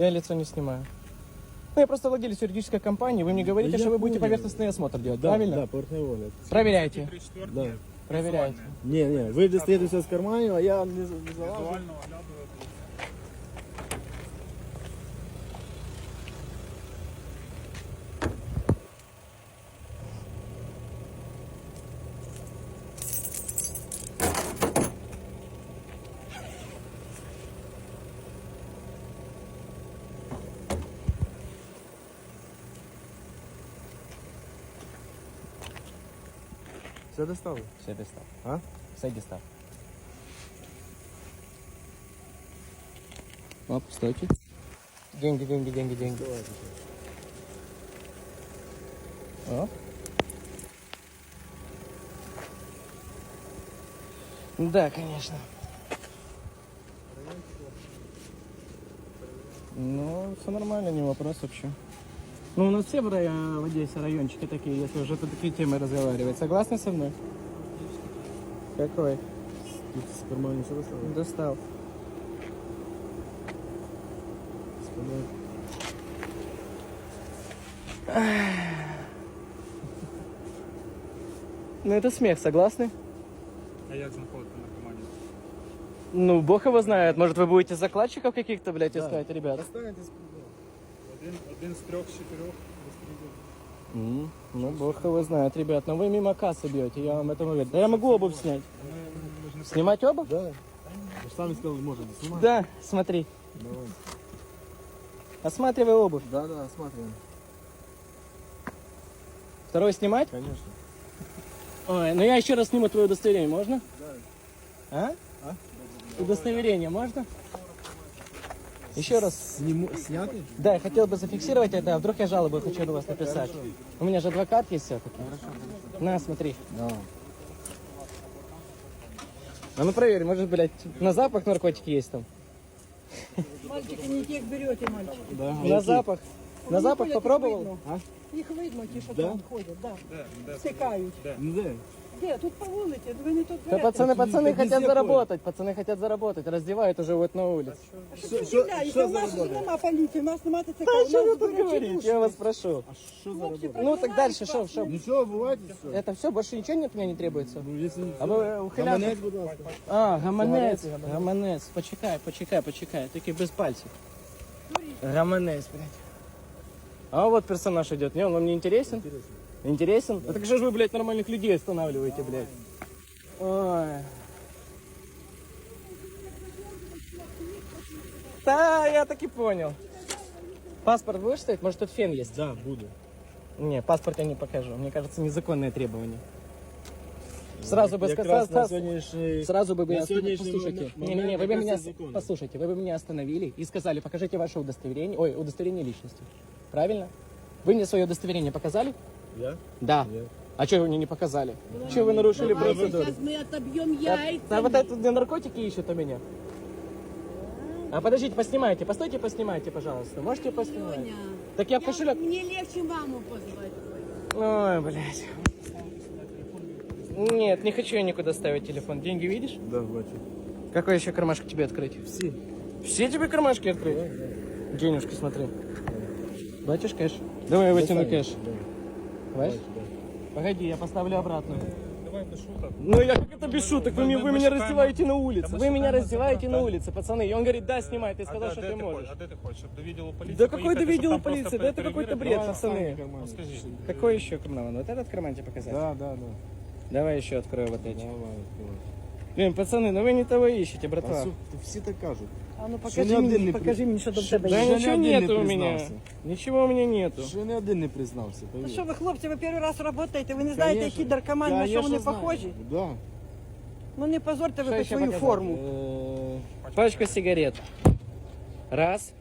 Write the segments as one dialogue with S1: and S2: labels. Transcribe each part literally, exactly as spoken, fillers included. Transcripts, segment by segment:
S1: Я лицо не снимаю. Ну, я просто владелец юридической компании. Вы мне говорите,
S2: Да
S1: что
S2: я
S1: вы будете
S2: понял.
S1: поверхностный осмотр делать,
S2: Да,
S1: правильно?
S2: да, поверхневый огляд.
S1: Проверяйте.
S2: Да.
S1: Проверяйте.
S2: Не, не, вы достаете все с карманів, а я не, не залажу.
S3: Візуально оглядувати.
S2: Все достали?
S1: Все, достав.
S2: А?
S1: Все, достав. Оп, стойте. Деньги, деньги, деньги, деньги.
S2: Давайте.
S1: Оп. Да, конечно. Ну, все нормально, не вопрос вообще. Ну, у нас все в, районе, в Одессе райончики такие, если уже по такие темы разговаривать. Согласны со мной? Какой?
S2: Тут с кармана все достали?
S1: Достал.
S2: Спина.
S1: Ну, это смех, согласны?
S3: А як знаходити наркоманів?
S1: Ну, бог его знает. Может, вы будете закладчиков каких-то, блядь, искать, ребят?
S2: Достанете спину.
S3: Один, один з трьох, з чотирьох розстрілів.
S1: М, Ну, бог его знает, ребят. Но вы мимо кассы бьете, я вам это говорю. Да я могу обувь снять. Снимать обувь?
S2: Да. Вы же сами сказали, можно снимать.
S1: Да, смотри.
S2: Давай.
S1: Осматривай обувь.
S2: Да, да, смотрим.
S1: Второй снимать?
S2: Конечно.
S1: Ой, ну я еще раз сниму твое удостоверение, можно?
S2: Да.
S1: А?
S2: А?
S1: Удостоверение можно? Еще раз.
S2: Сниму, снятый?
S1: Да, я хотел бы зафиксировать это, а вдруг я жалобу хочу на вас написать. У меня же адвокат есть все-таки. На, смотри.
S2: Да.
S1: А ну проверь, может, блядь, на запах наркотики есть там?
S4: Мальчики, не тех берете, мальчики.
S2: Да.
S1: На запах? На
S4: Вони
S1: запах
S4: ходять,
S1: попробовал?
S4: Їх видно,
S2: А?
S4: їх видно ті, що
S2: Да?
S4: там ходять, да.
S3: Де? Де?
S4: Стикають.
S2: Ну да.
S4: Де? Тут по вулиці, ви не тут
S1: Да
S4: берете.
S1: пацаны, пацаны
S2: везде
S1: хотят
S2: ходят.
S1: заработать, пацаны хотят заработать, раздевают уже вот на улице.
S4: Що
S2: Що-
S4: ти
S2: що-
S4: удивляєшся?
S2: що
S4: У нас
S2: за
S4: ж
S2: робота?
S4: нема поліції, у нас нема ТЦК,
S1: Да
S4: у
S1: что вы
S4: нас
S1: тут
S4: збирачі
S1: говорите,
S4: душі.
S1: я вас прошу.
S2: А что за
S4: Хлопці,
S2: работа?
S1: Ну так дальше, что, что?
S2: Ничего, бывает все.
S1: Это все, больше ничего от меня не требуется?
S2: Ну, если
S1: А ви ухиляти?
S2: Гаманець, будь ласка.
S1: А, гаманець,
S2: Сигарети,
S1: гаманець, почекай, почекай, почекай, тільки без пальців. Гаманець, блядь. А вот персонаж идет, не, он вам не интересен?
S2: Интересно.
S1: Интересен? Да. Так же ж вы, блядь, нормальных людей останавливаете, блядь. Ой. Да, я так и понял. Паспорт будешь ставить? Может, тут фен есть?
S2: Да, буду.
S1: Не, паспорт я не покажу. Мне кажется, незаконное требование. Сразу бы
S2: Якраз
S1: сказал,
S2: на
S1: сразу,
S2: сегодняшний...
S1: сразу бы
S2: на
S1: меня
S2: сегодняшний
S1: послушайте.
S2: момент
S1: Не, не, не, вы бы
S2: якраз
S1: меня
S2: це законно.
S1: послушайте, вы бы меня остановили и сказали, покажите ваше удостоверение, ой, удостоверение личности. Правильно? Вы мне свое удостоверение показали?
S2: Я?
S1: Да.
S2: Нет.
S1: А что вы мне не показали? Что вы нарушили процедуру?
S4: Сейчас мы отобьем
S1: А,
S4: яйца.
S1: а вот это где наркотики ищут у меня. А подождите, поснимайте, постойте, поснимайте, пожалуйста. Можете поснимать?
S4: Соня,
S1: Так я в кошелек.
S4: Мне легче маму позвать.
S1: Ой, блядь. Нет, не хочу я никуда ставить телефон. Деньги видишь?
S2: Да, бачу.
S1: Какой еще кармашек тебе открыть?
S2: Всі.
S1: Все тебе кармашки открыть? Денежки, смотри. Бачишь кэш? Давай я вытяну кэш. Бачишь? Погоди, я поставлю обратно.
S3: Давай без шуток.
S1: Ну я как это без шуток? Вы,
S3: Мы-
S1: меня-
S3: мы-
S1: вы
S3: мы
S1: меня
S3: шукаем-
S1: раздеваете на улице.
S3: Да мы
S1: Вы меня
S3: шукаем
S1: раздеваете
S3: адвоката.
S1: на улице, пацаны. И он говорит, да, снимай. Ты сказал,
S3: А
S1: что
S3: де
S1: ты
S3: ти
S1: можешь.
S3: хочеш? А де ти хочеш? Щоб до відділу поліції
S1: Да какой
S3: поїхати,
S1: до
S3: щоб
S1: відділу
S3: там просто
S1: полиции? Да это какой-то бред,
S3: перевірити?
S1: пацаны.
S3: Ну, скажи.
S1: Какой еще карман? Вот этот карман тебе показать?
S2: Да, да, да.
S1: Давай еще открою вот эти.
S2: Давай, давай.
S1: Блин, пацаны, ну вы не того ищете,
S2: А
S1: братва.
S2: су- всі так кажуть.
S4: А ну
S2: Ще
S4: покажи
S2: ні один
S4: мені,
S2: не
S4: покажи
S2: при-
S4: мені, що до
S2: Ще-
S4: тебе
S1: Да
S4: є.
S2: Ще ні
S1: ничего
S2: один не
S1: нету у меня.
S2: признався.
S1: Ничего у меня нету.
S2: Ще не один не признався,
S4: Ну
S2: повір.
S4: що ви, хлопці, ви перший раз працюєте, ви не знаєте,
S2: Конечно.
S4: які наркомани, на що
S2: Конечно,
S4: вони
S2: знаю.
S4: похожі?
S2: Да.
S4: Ну не позорте ви
S1: Що
S4: хоч
S1: ще
S4: свою
S1: показати?
S4: форму.
S2: Е,
S1: Пачка сигарет. Раз.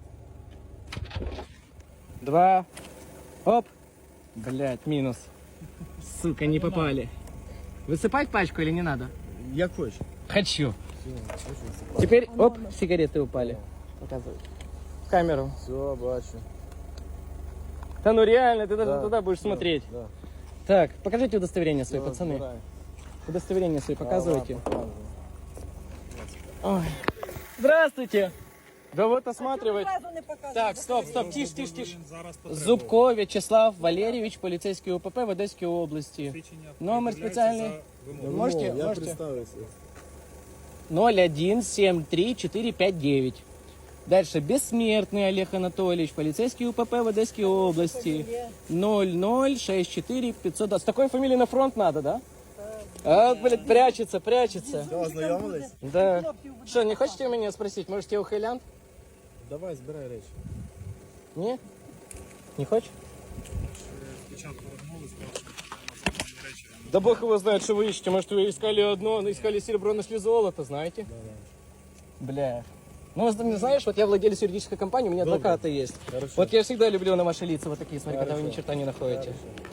S1: Два. Оп. Блять, минус. Сука, не попали. Высыпать пачку или не надо?
S2: Як хочеш.
S1: Хочу. Теперь, оп, сигареты упали. Показывай. В камеру.
S2: Все, бачу.
S1: Да ну реально, ты даже
S2: Да,
S1: туда будешь
S2: да,
S1: смотреть.
S2: Да.
S1: Так, покажите удостоверение свои,
S2: Все,
S1: пацаны.
S2: збирай.
S1: Удостоверение свои показывайте.
S2: Давай, показуй.
S1: Ой. Здравствуйте. Да вот осматривать.
S4: Зразу не показуй.
S1: Так, стоп, стоп, тиш, тиш, тиш.
S3: Він зараз потребує.
S1: Зубко В'ячеслав Валерійович, поліцейський УПП в Одеській області.
S3: Свідчення
S1: Номер
S3: пред'являється
S1: спеціальний.
S3: за вимогою.
S2: Ну,
S1: Можете,
S2: я
S1: можете.
S2: представився.
S1: ноль один семь три четыре пять девять. Дальше. Бессмертный Олег Анатольевич, полицейский УПП в Одесской области. ноль ноль шесть четыре пятьсот. С такой фамилией на фронт надо, да? А, блядь, прячется, прячется.
S2: Що, ознайомились?
S1: Да. Что, не хотите у меня спросить? Может, я ухилянт?
S2: Давай, збирай речі.
S1: Не? Не хочешь?
S3: Спочатку розмови сказав, що на речі.
S1: Да бог его знает, что вы ищете. Может, вы искали одно, искали серебро, нашли золото, знаете? Бля. Ну, ты знаешь, вот я владелец юридической компании, у меня адвокаты есть.
S2: Хорошо.
S1: Вот я всегда люблю на ваши лица вот такие, смотри, когда вы ни черта не находите.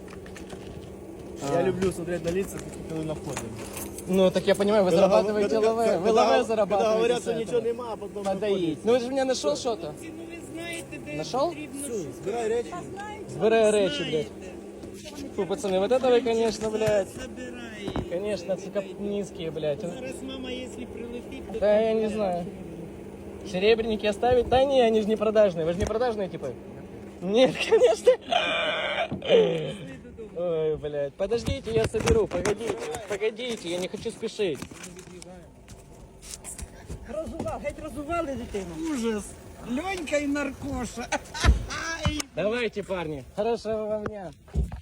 S2: Я люблю смотреть на лица, коли на вході.
S1: Ну, так я понимаю, вы зарабатываете лаве. Вы лаве
S2: Когда
S1: зарабатываете.
S2: говорят,
S1: с
S2: що
S1: этого.
S2: нічого нема, а потім
S1: Подоить. Ну, вы же меня нашел что-то? Нашел?
S2: Все, збирай речі.
S1: Сбирай речи, блядь. Фу, пацаны, вот это вы, конечно, блядь. Конечно, цикап низкие, блядь.
S5: Зараз мама, если прилетит, то
S1: Да, я не знаю. Серебряники оставить? Да не, они же не продажные. Вы же не продажные типа? Нет, конечно. Ой, блядь. Подождите, я соберу. Погодите, погодите, я не хочу спешить.
S4: Розували, геть розували дитину. Ужас. Льонька і наркоша.
S1: Давайте, парни. Хорошего вам дня.